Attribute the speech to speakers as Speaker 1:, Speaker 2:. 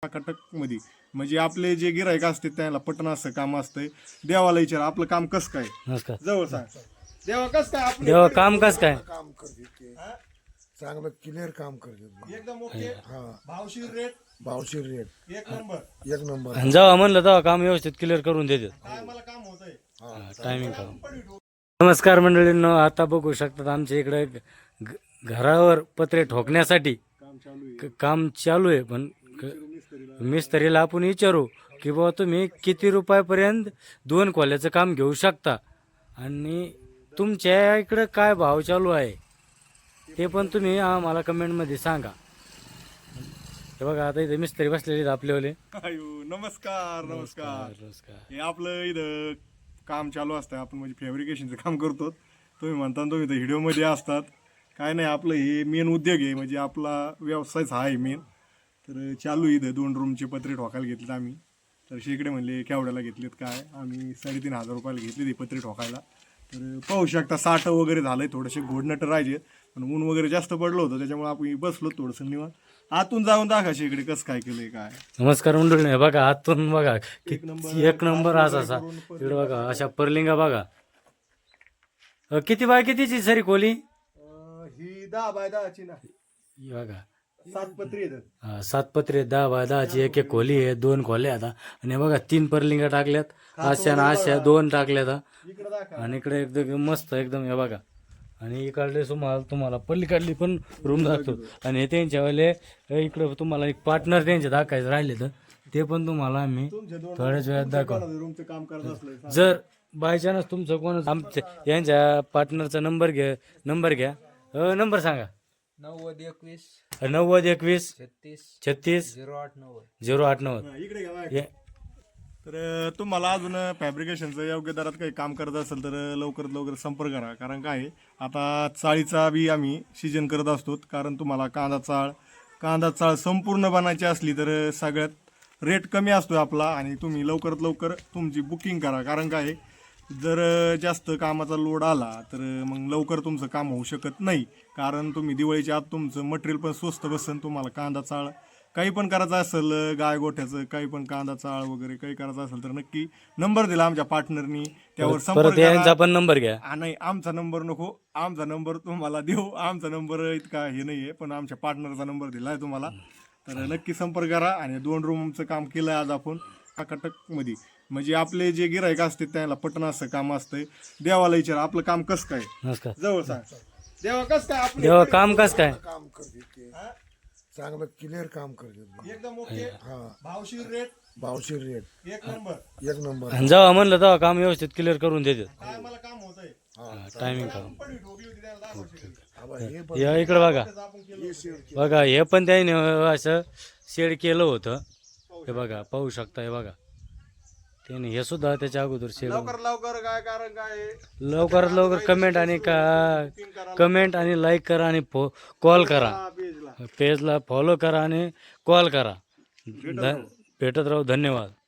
Speaker 1: कटक मध्ये म्हणजे आपले जे गिरायक असते त्याला पटन असं काम असतंय. देवाला विचार आपलं काम कसं काय.
Speaker 2: नमस्कार.
Speaker 1: जवळ सांग देवा कसं काय आपलं
Speaker 2: देवा काम कस काय
Speaker 3: काम करते ते चांगलं क्लिअर काम करते
Speaker 1: एकदम ओके. भावशीर रेट
Speaker 3: भावशीर रेट
Speaker 1: एक नंबर
Speaker 3: एक नंबर
Speaker 2: आणि जेव्हा म्हणलं तेव्हा काम व्यवस्थित क्लिअर करून देतात.
Speaker 1: काय मला काम होतंय
Speaker 2: टायमिंग काम. नमस्कार मंडळींनो, आता बघू शकतात आमच्या इकडे घरावर पत्रे ठोकण्यासाठी
Speaker 1: काम चालू आहे.
Speaker 2: काम चालू आहे. पण मिस्त्रीला आपण विचारू की बाबा तुम्ही किती रुपयापर्यंत 2 खोल्याचं काम घेऊ शकता आणि तुमच्या इकडं काय भाव चालू आहे ते पण तुम्ही आम्हाला कमेंटमध्ये सांगा. हे बघा आता इथे मिस्त्री बसलेले आहेत आपलेवाले.
Speaker 1: आयो नमस्कार नमस्कार.
Speaker 2: नमस्कार.
Speaker 1: हे आपलं इथं काम चालू असतं. आपण म्हणजे फॅब्रिकेशनचं काम करतो. तुम्ही म्हणता तुम्ही तर व्हिडिओमध्ये असतात. काय नाही आपलं हे मेन उद्योग आहे म्हणजे आपला व्यवसायच हा आहे मेन. तर चालू इथं 2 रूमचे पत्रे ठोकायला घेतलेत आम्ही. तर शेकडे म्हणले केवढ्याला घेतलेत काय, आम्ही 3,500 रुपयाला घेतले ते पत्रे ठोकायला. तर पाहू शकता 60 वगैरे झालंय. थोडेसे घोडनट राहायचे पण ऊन वगैरे जास्त पडलं होतं त्याच्यामुळे आपण बसलो थोडंसं निवांत. आतून जाऊन दाखवा शेकडे कसं काय केलंय काय.
Speaker 2: नमस्कार मंडळी. हे बघा आतून बघा
Speaker 1: नंबर.
Speaker 2: एक नंबर असा इकडे बघा अशा पर्लिंगा बघा. किती बाय कितीची सरी खोली
Speaker 1: ही 10 बाय 10ची ना.
Speaker 2: ही बघा
Speaker 1: 7 पत्रे आहेत.
Speaker 2: 7 पत्रे 10 बाय 10ची एक एक खोली आहे. 2 खोल्या आता आणि हे बघा 3 पर्लिंगा टाकल्यात. अशा 2 टाकल्यात
Speaker 1: इकडे दाखवा.
Speaker 2: आणि इकडे एकदम मस्त एकदम हे बघा. आणि इकडले तुम्हाला पल्लीकडली पण रूम दाखतो. आणि हे त्यांच्यावाले इकडे तुम्हाला एक पार्टनर त्यांचे दाखवायचं राहिले तर ते पण तुम्हाला आम्ही थोड्याच वेळात दाखवू.
Speaker 1: रूमचं काम करत असलं
Speaker 2: जर बाय चान्स तुमचं कोण आमच्या यांच्या पार्टनरचा नंबर घ्या. नंबर सांगा. 90 21 36 089.
Speaker 1: इकडे घ्या. तर तुम्हाला अजून फॅब्रिकेशनचं योग्य दरात काही काम करत असेल तर लवकरात लवकर संपर्क करा. कारण काय आता चाळीचा बी आम्ही सीजन करत असतो. कारण तुम्हाला कांदा चाळ संपूर्ण बनायची असली तर सगळ्यात रेट कमी असतो आपला. आणि तुम्ही लवकरात लवकर तुमची बुकिंग करा. कारण काय जर जास्त कामाचा लोड आला तर मग लवकर तुमचं काम होऊ शकत नाही. कारण तुम्ही दिवाळीच्या आत तुमचं मटेरियल पण स्वस्त बसन. तुम्हाला कांदा चाळ काही पण करायचं असेल गाय गोठ्याचं काही पण कांदा चाळ वगैरे काही करायचं असेल तर नक्की नंबर दिला आमच्या पार्टनरनी त्यावर संपर्क
Speaker 2: यांचा पण नंबर घ्या.
Speaker 1: नाही आमचा नंबर नको. आमचा नंबर तुम्हाला देऊ. आमचा नंबर इतका हे नाहीये पण आमच्या पार्टनरचा नंबर दिलाय तुम्हाला. तर नक्की संपर्क करा. आणि 2 रूमचं काम केलंय आज आपण कटक मध्ये. म्हणजे आपले जे गिरायक असते त्याला पटन असं काम असतंय. देवाला विचार आपलं काम कसं काय.
Speaker 2: नमस्कार.
Speaker 1: जवळ सांग देवा कसं काय आपलं
Speaker 2: देवा काम कस काय
Speaker 3: काम करते ते चांगलं क्लिअर काम करते
Speaker 1: एकदम ओके. भावशीर रेट
Speaker 3: भावशीर रेट
Speaker 1: एक नंबर
Speaker 3: एक नंबर
Speaker 2: आणि जेव्हा म्हणलं तेव्हा काम व्यवस्थित क्लिअर करून देतात.
Speaker 1: काय मला काम होतंय.
Speaker 2: टायमिंग काम.
Speaker 1: पण ठोकली होती त्याला दाखवा.
Speaker 3: आबा हे पण
Speaker 2: या इकडे बघा.
Speaker 1: आपण केलं
Speaker 2: बघा हे पण त्याने असं शेड केलं होतं. हे बघा पाहू शकता. हे बघा त्याने हे सुद्धा त्याच्या अगोदर शेड.
Speaker 1: लवकर काय कारण काय
Speaker 2: लवकरात लवकर कमेंट आणि लाईक करा आणि कॉल करा.
Speaker 1: पेजला
Speaker 2: पेजला फॉलो करा आणि कॉल करा. भेटत राहू. धन्यवाद.